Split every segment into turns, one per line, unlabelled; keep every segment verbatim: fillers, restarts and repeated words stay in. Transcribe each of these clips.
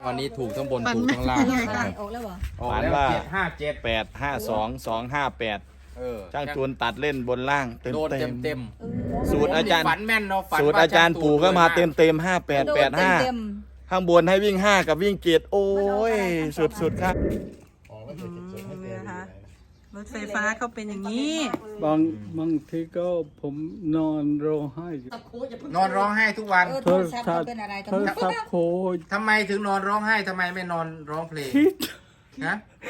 วันนี้ถูกทั้งบนถูกทั้งล่าง
ออกแล้วเหรอ
ฝันว่า
เจ็ดห้าเจ็ด
แปดห้าสองสองห้าแปด
เออ
ช่างจูนตัดเล่นบนล่างเต็ม
โดนเต็มเต็ม
สูตรอาจารย์
ฝันแม่นเนาะฝัน
สูตรอาจารย์ปู่ก็มาเต็มเต็มห้าแปดแปดห้าข้างบนให้วิ่งห้ากับวิ่งเจ็ดโอ้ยสุดสุดครับ
นะคะรถไฟฟ้าเขาเป็นอย่างนี้
บางบางทีก็ผมนอนร้องไห้
นอนร้องไห้ทุกวัน
โทรศัพท์เป็นอะไร
โทรศัพท์โคตร
ทำไมถึงนอนร้องไห้ทำไมไม่นอนร้องเพลง
คิด
นะ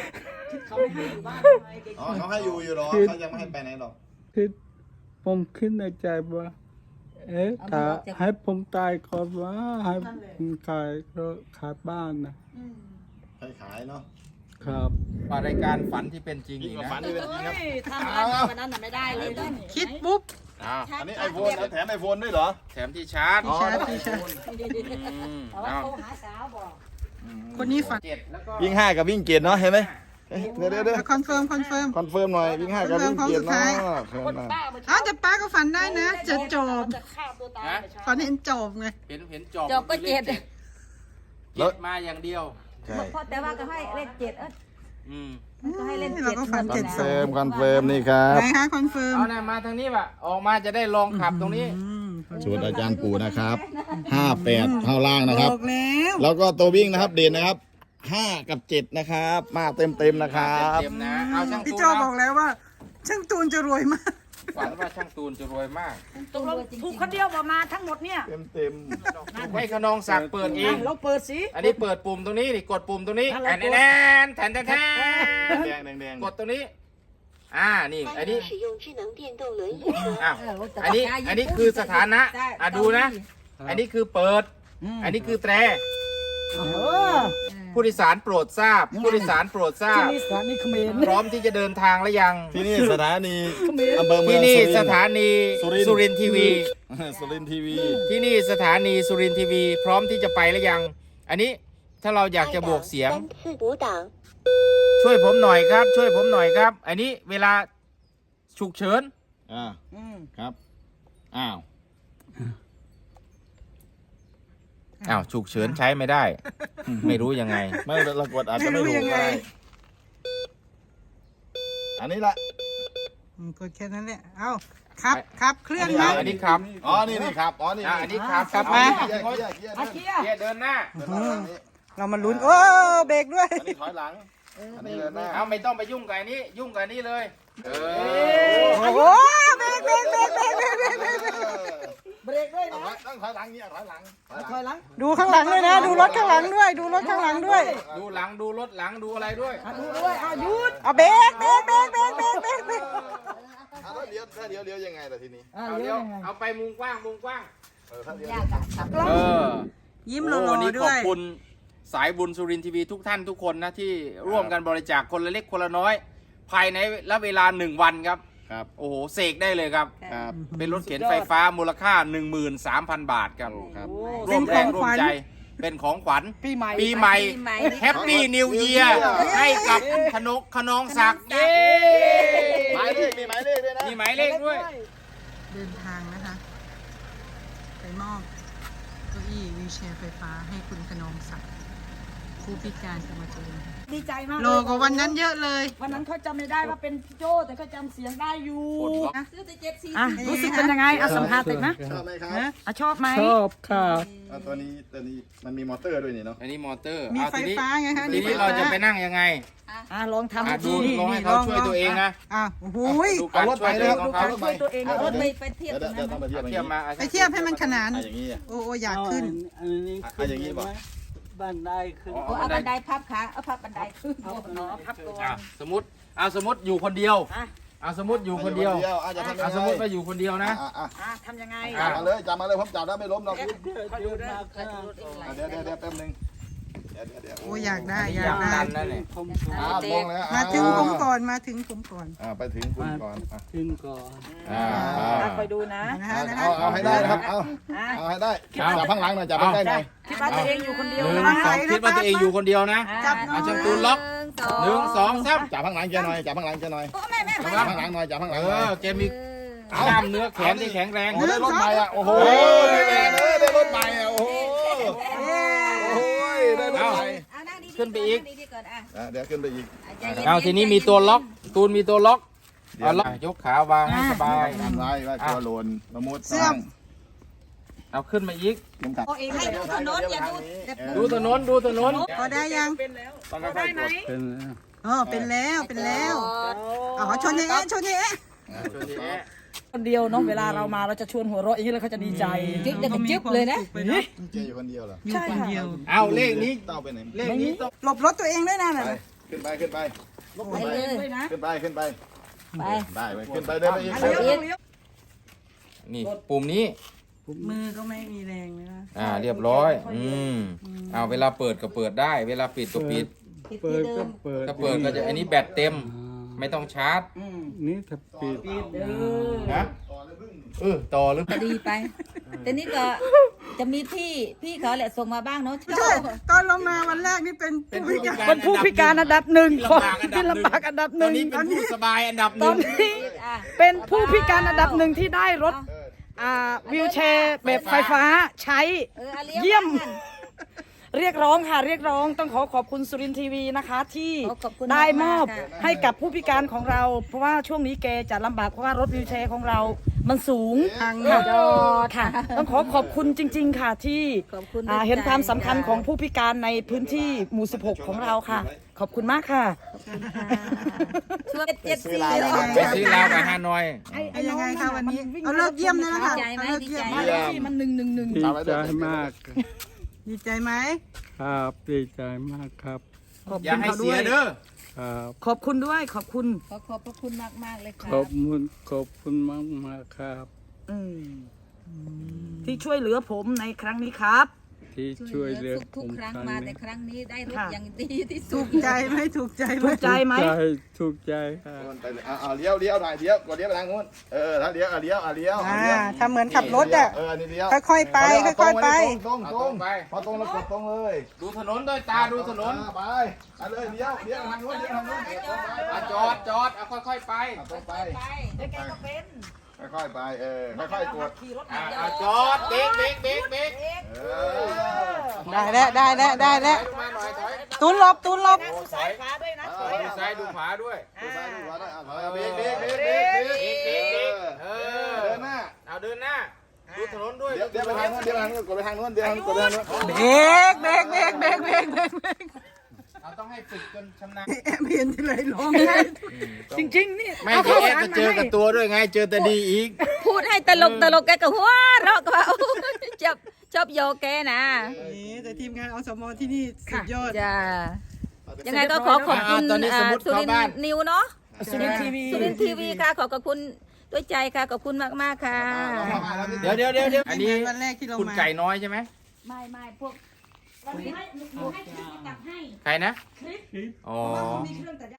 อ๋อเขาให้อยู่อยู่หรอเขายังไม่ให้ไปไหนหรอก
คิดผมคิดในใจว่า เอ๊ะถ้าให้ผมตายก่อนว่าให้ผมขายรถขายบ้านนะ
ให้ขายเนาะ
ครับ
ว่ารายการฝันที่เป็นจริง
ยิ่
อี
ง
ก
กว่า
นะ
ฝันที่เป็นจริงครับ
ทำวันนั้นน่ะไม่ได้เลย
คิดปุ๊บ
อ้าว
อันนี้ไอโฟนแถมไอโฟนด้วยเหรอ
แถมที่ชาร์จ
อ๋อ
ชาร์จที่ชาร์จ
อืม
แต่ว่า
เอา
โทรหาสาวบอก
คนนี้ฝัน
เจ็ดแล้วก็
วิ่งห้ากับวิ่งเจ็ดเนาะเห็นไหม
เอ๊ะเดี๋ยวเดี๋ยวเดี๋ยว
คอนเฟิร์มคอนเฟิร์ม
คอนเฟิร์มหน่อยวิ่งห้ากับวิ่งเจ็ด
คอนเฟิร์ม
เนาะ
ครั้งสุดท้าย
เพิ่มมา
อ้าวแต่ป้าก็ฝันได้นะจะจบ
จะฆ่าตัวตาย
นะ
ฝันเห็นจบไง
เห็นเห็นจอบ
จบก็เจ็ด
เจ็ดมาอย่างเดียว
ใช่
เพราะแต่ว่าก็ให้เลขเจ็ดเออ
อืม
ก็ให้เล่น
เรา
เจ็ด
ก็ฝัน
คอ
เจ็ด
น
สอ
เฟิร์
ง
มคอนเฟิร์มนี่ครับ
ไหนคะคอนเฟิร์ม
เอาหน่อยมาทางนี้ว่ะออกมาจะได้ลองขับตรงนี้
อืม
สูตรอาจารย์ปู่นะครับห้าแปดข้างล่างนะ
บ
ครับ
อกแล้ว
แล้วก็ตัววิ่งนะครับเด่นนะครับห้ากับเจ็ดนะครับ มาเต็มเต็มๆนะครับ
เต็มๆนะเอาช่าง
พี่
ตูน
โจบอกแล้วว่า ช่างตูนจะรวยมาก
ฝันว่าช่างตูนจะรวยมาก
ตกลงถูกคนเดียวประมาณทั้งหมดเนี่ย
เต็มเต็ม
ให้ขนองศักดิ์เปิดเอง
เราเปิดสิ
อันนี้เปิดปุ่มตรงนี้นี่กดปุ่มตรงนี้
อะไร
แอน
กด
แอนแทนแทนแทน
แดงแดงแดง
กดตรงนี้ อ่า นี่ อันนี้
使用智能电动轮椅车。
อ้าว อันนี้ อันนี้คือสถานะ อ่ะดูนะ อันนี้คือเปิด อันนี้คือแตร ผู้โดยสารโปรดทราบ ผู้โดยสารโปรดทราบ
นี่สถานีเขมร
พร้อมที่จะเดินทางแล้วยัง
ที่นี่สถานีอำเภอเมื
ที่
อง
นี่
สุรินทร์
สถานี
สุรินทร์
สุรินทร์ทีวี
สุรินทร์ทีวี
ที่นี่สถานีสุรินทร์ทีวี พร้อมที่จะไปแล้วยัง อันนี้ถ้าเราอยากจะบวกเสียง
三次五档。
ช่วยผมหน่อยครับ ช่วยผมหน่อยครับ อันนี้เวลาฉุกเฉิน
อ่าครับ อ้าว
อ้าวฉุกเฉินใช้ไม่ได้ ไม่รู้ยังไง
ไม่เรากดอาจจะไม่ถูกก็ได้อันนี้ละ
อืมกดแค่นั้นแหละ เอาครับครับเคลื่อน
อั
ไหม
อันนี้ครับ
อ๋อ นี่นี่ครับ อ๋อ นี่
อ่ะอันนี้ครับครับ
มา
มา
เกียร์เกียร์เกียร์
อา
เกี
เคี
ยร์
ย
เกียร์เดินหน้า
เดินหน้าทางนี้
เรามาลุ้น โอ้เบรกด้วย
อันนี้ถอยหลัง อันนี้เดินหน้า
เอาไม่ต้องไปยุ่งกับอันนี้ ยุ่งกับอันนี้เลย เออ
โอ้โหเบรกเบรกเบรกเบรกเบรกเบรกเบรก
เบรกด้วย
เอา
นะ
ไว้ต้องถอยหลังเนี่ยถอยหลังถอยหลัง
ถอยหลัง
ดูข้างหลังด้วยนะ ดูรถข้างหลังด้วย ดูรถข้างหลังด้วย
ดูหลังดูรถหลังดูอะไรด้วย
ดูด้วยเอาหยุด
เอาเบรกเบรกเบรกเบรกเบรกเบรกเบรก
อ่ะแล้วเลี้ยวถ้าเลี้ยวเลี้ยวยังไงล่ะทีนี้
เอา
เอา
เย
เดี๋ยว
อะ
เอาไปมุมกว้างมุมกว้าง
เออถ้าเลี้ยว
ยากอะขับ
เออ
ยิ้มห
โอ้
ล่อ
วันนี้
ๆด้
ขอ
ว
บ
ย
คุณสายบุญสุรินทร์ทีวีทุกท่านทุกคนนะที่ร่วมกันบริจาคคนละเล็กคนละน้อย ภายในระเวลาหนึ่งวันครับ
ครับ
โอ้โหเสกได้เลยครับ
ครับ
เป็นรถเข็นไฟฟ้ามูลค่า หนึ่งหมื่นสามพัน บาทครับ
ครับ
ร่วมแรงร่วมใจ เป็นของขวัญ
ปีใหม่
ปีใหม่
ปีใหม่
แฮปปี้นิวเยียร์ให้กับขนกขนองศักดิ์เย้
หมายเลขมีหมายเลขด้วยนะ
มีหมายเลขด้วย
เดินทางนะคะ ไปมอบเก้าอี้วีลแชร์ไฟฟ้าให้คุณขนองศักดิ์ผู้พิการสมาชิก
ดีใจมาก
โลกว่าวันนั้นเยอะเลย
วันนั้นเขาจำไม่ได้ว่าเป็นพี่โจแต่เขาจำเสียงได้อยู่
ปลดล็อก
ซื้อแต่เจ็ดสี่อ่ะรู้สึกเป็นยังไงอ่ะสัมภาษณ์ติดนะ
ชอบไหมครับ
อ่ะชอบไหม
ชอบครับ
อ่ะตัวนี้ตัวนี้มันมีมอเตอร์ด้วยนี่เนาะ
อันนี้มอเตอร์
มี
เอา
ไฟ
ทีนี้
ฟ้าไงคะ
ทีนี้เราจะไปนั่งยังไง
อ่ะลองทำ
อ่ะดู
ดู
ลองให้เขาช่วยตัวเองนะ
อ่ะโอ้โหย
ดูการช่วยตัวเองของเขา
ช่วยตัวเองเอารถไปไปเทียบ
เดี๋
ต
ย
ร
ว
ง
เดี๋
นั้
ยวน ต้องมาเทียบ
เอา
อย่าง
เทียบ
นี้
มา
ไปเทียบให้มันขนาน
อ่ะอย่างนี้อ่ะ
โอ้โอ้อยากขึ้น
อันนี้
อ่ะอย่างนี้บอก
บ้านได้ขึ้น
โอ้เอาบันไดพับขาเอาพับบันไดขึ้นเอาพับตัว
อ่ะสมมติเอาสมมติอยู่คนเดียว
อ่ะ
เอาสมมติอยู่คนเดียว
อาจจะทำยัง
เอา
ไง
สมมติว่าอยู่คนเดียวนะ
อ่ะอ่ะ
อ่ะทำยังไง
จับมาเลยจับมาเลยผมจับได้ไม่ล้มหรอก
เดี๋ยวเดี๋ยวมาข้าง
อ่ะเดี๋ยวเดี๋ยวเดี๋ยวแป๊บนึงเดี๋ยวเดี๋ยวเดี๋ยว
โอ้อยากได้อยาก
อยาก
ได้
ดันนั่นแหละ
ผมขอ
อ่ะลงแล้วอ่ะ
มาถึงผมก่อนมาถึงผมก่อน
อ่ะไปถึงคุณก่อนอ่ะ
ขึ้นก่อน
อ่า
อ่ะคอยดูนะ
นะ
เอา
ฮะนะ
เอา
ฮะ
เอาให้ได้นะครับเอา
อ่ะ
เอาให้ได้จับข้างหลังหน่อยจับข้างใกล้หน่อย
คิดว่าตัวเองอยู่คนเดียว
หนึ่ง
นะ
สองคิดว่าตัวเองอยู่คนเดียวนะ
จับหน่
เอา
อย
ช่างตูนล็อกหนึ่งสองสาม
จับข้างหลังแกหน่อยจับข้างหลังแกหน่อย
โอ้แม่แม่
จับข้างหลังหน่อยจับข้างห
เอ
ลังหน่อย
อแกมีกล้ามเนื้อแขนที่แข็งแรง
โอ้ได้รถใหม่อ่ะโอ้โหได้แรงเลยได้รถใหม่อ่ะโอ้โหโอ้ยได้รถใหม่
ขึ้นไปอีก
ดีๆก่อนอ่ะ
อ่ะเดี๋ยวขึ้นไปอีก
ใจย็ๆ
เอาทีนี้มีตัวล็อก ตูนมีตัวล็อกเอาล็อกยกขาวางให้สบาย
ทำไรไว้กลัวหล่นละมุด
เสื่อม
เอาขึ้นมาอีก
เข็มขัด
ให้ดูถนนอย่าดู
ดูถนนดูถนน
พอได้ยัง
ต้องค่อยๆกด
เป็นแล้ว
อ๋อเป็นแล้วเป็นแล้วอ๋อชนเอ๊ะชนเอ๊ะ
คนเดียวเนาะเวลาเรามาเราจะชวนหัวเราะอย่างนี้เลยเขาจะดีใจจิ๊บเด็กจิ๊บเลยนะ
เจอยู่คนเดียวเหรอ
อยู่คนเดียว
เอาเลขนี้
เต้าไปไหน
เลขนี้ต้อง
หลบรถตัวเองด้วยนะ
ไป
น่ะ
ขึ้นไปขึ้นไป
ไปเลย
ขึ้นไปขึ้นไป
ไป
ได้ไปขึ้นไปเดินไปอีก
นี่ปุ่มนี้
มือก็ไม่มีแรงเลยนะ
อ่าเรียบร้อย อืมเอาเวลาเปิดก็เปิดได้ เวลาปิดก็ปิด
ปิด
เปิ
ที่
ด
เดิ
ก็
ม
เปิด
ถ้าเปิดก็จะอันนี้แบตเต็ม ไม่ต้องชาร์จ
นี่ถ้าปิด
นะเออต่อหรือ
ก็ดีไป แต่นี่ก็จะมีพี่พี่เขาแหละส่งมาบ้างเนาะ
ใช่ตอนลงมาวันแรกนี่เป็นผู้พิการ
เป็นผู้พิการอันดับหนึ่ง
ลำบากอันดับห
ที่
นึ่ง
ลำบากอันดับห
ตอน
นึ่ง
นี้เป็นผู้สบายอันดับห
ตอ
นึ่
น
ง
นี้
อ่ะ
เป็นผู้พิการอันดับหนึ่งที่ได้รถอ่าวิวแชร์แบบไฟฟ้าใช้
เอออาลี้
เยี่ยม
กัน
เรียกร้องค่ะเรียกร้องต้องขอขอบคุณสุรินทร์ทีวีนะคะ ที่
ขอขอบคุณ
ได้มอบ
มากๆค่ะ
ให้กับผู้พิการของเรา เพราะว่าช่วงนี้แกจะลำบากเพราะว่ารถวิวแชร์ของเรา มันสูง
ทาง
ค่ะ
ยอด
ค่ะ ต้องขอขอบคุณจริง ๆ ค่ะที่
ขอบคุณ
อ่า
ด้วย
เห็นความสำคัญ
ใจ
ของผู้พิการในพื้นที่หมู่สิบหกของเราค่ะ ขอบคุณมากค่ะ
ช่วยเจ็ดสี่
ไปซื้อลาวกับฮานอย
ไอ้ยังไงคะวันนี้เอาเลิกเยี่ยมเลยนะคะ
ดีใจไหม
เอาเลิก
ดี
เยี่ย
ใจ
ม
ไหม
ที่มันหนึ่งหนึ่งหนึ่ง
ดีใจมาก
ดีใจไหม
ครับดีใจมากครับ
ขอบ
อย่า
คุณ
ให้
เขา
เสี
ด้วย ย
เด้อ
ครับ
ขอบคุณด้วยขอบคุณ
ขอขอบพระคุณมากมากๆเลยค
ข
รั
อ
บบ
คุณขอบคุณมากมากๆครับ
อืมที่ช่วยเหลือผมในครั้งนี้ครับ
ที่ช่วยเหลือ
ทุก
ผ
ทุก
ม
ครั้ง
ครั้ง
มา
นี้
แต่ครั้งนี้ได้รถ
ค่ะ
อย่างดีที่สุ
ถู
ด
กใจไหมถูกใจไหม
ถูกใจไหม
ถูกใจถูกใจครับ
ไปเลยเอาเอาเลี้ยวเลี้ยวหน่อยเลี้ยวกดเลี้ยวไปทางนู้นเออถ้าเลี้ยวเอาเลี้ยวเอาเลี้ยวเอา
อ่า
เลี้ยว
ทำเหมือนขับรถอ่ะ
เอออันนี้เลี้ยว
ค่อยๆไปค่อยๆไป
ตรงตรง
เอาตรงไป
พอตรงแล้วกดตรงเลย
ดูถนนด้วยตาดูถนน
อ่าไปไปเลยเลี้ยวเลี้ยวทางนู้นเลี้ยวทางนู้น
อ่ะจอดจอดเอาค่อยๆไป
เอาตรงไป
แล้วแกก็เป็น
ค่อยๆไปเออค่อยๆกด
ขี่รถ
อ่ะอ่ะจอดเบรกเบรกเบรกเบรก
เออ
ได้แล้วได้แล้วได้แล้ว
ถอยลงมาหน่อยถอย
ตูนหลบตูนหลบ
สายฟ้าด้วยนะ
ดูซ้ายดูขวาด้วย
ดูซ้ายดูขวาด้วยอ่ะถอยเอาเบรกเบรกเบรกเบรกเบรก
เบรกเบรกเบรกเออ
เดินหน้า
เอาเดินหน้า ดูถนนด้วย
เดี๋ยวเดี๋ยวไปทางนู้นเดี๋ยวไปทางนู้นกดไปทางนู้นเดี๋ยวทางนู้นกดไปทางนู้น
เบรกเบรกเบรกเบรกเบรกเบรกเบรก
เราต้องให้ฝึกจนชำนาญ
แอบเห็นที่ไรร้อง
จริงๆนี่
ไม่
เอา
เจ
ข้าว
อ
สาร
ก็
มา
เจอ
ให้
กับตัวด้วยไง เจอแต่ดีอีก
พูดให้ตลกตลกแกก็หัวเราะก็ว่า ชอบชอบโยแกนะ
นี่แต่ทีมงานอสมที่นี่สุดยอด
จ้ายังไงก็ขอขอบคุณ
อ่าตอนนี้สมมุติ
สุรินท
เข้าบ้าน
ร์นิวเนาะ
สุรินทร์ทีวี
สุรินทร์ทีวีค่ะ ขอขอบคุณด้วยใจค่ะ ขอบคุณมากๆค่ะ
เดี๋ยวเดี๋ยวเดี๋ยวเดี๋ยวอันนี้
วันแรกที่เรา
คุณ
มา
ไก่น้อยใช่ไหม
ไม่ไม่พวก
วันนี้ให้หนูให้คลิปมาตัดให้
ใครนะ
คลิป
อ๋อ
มีเครื่องตัด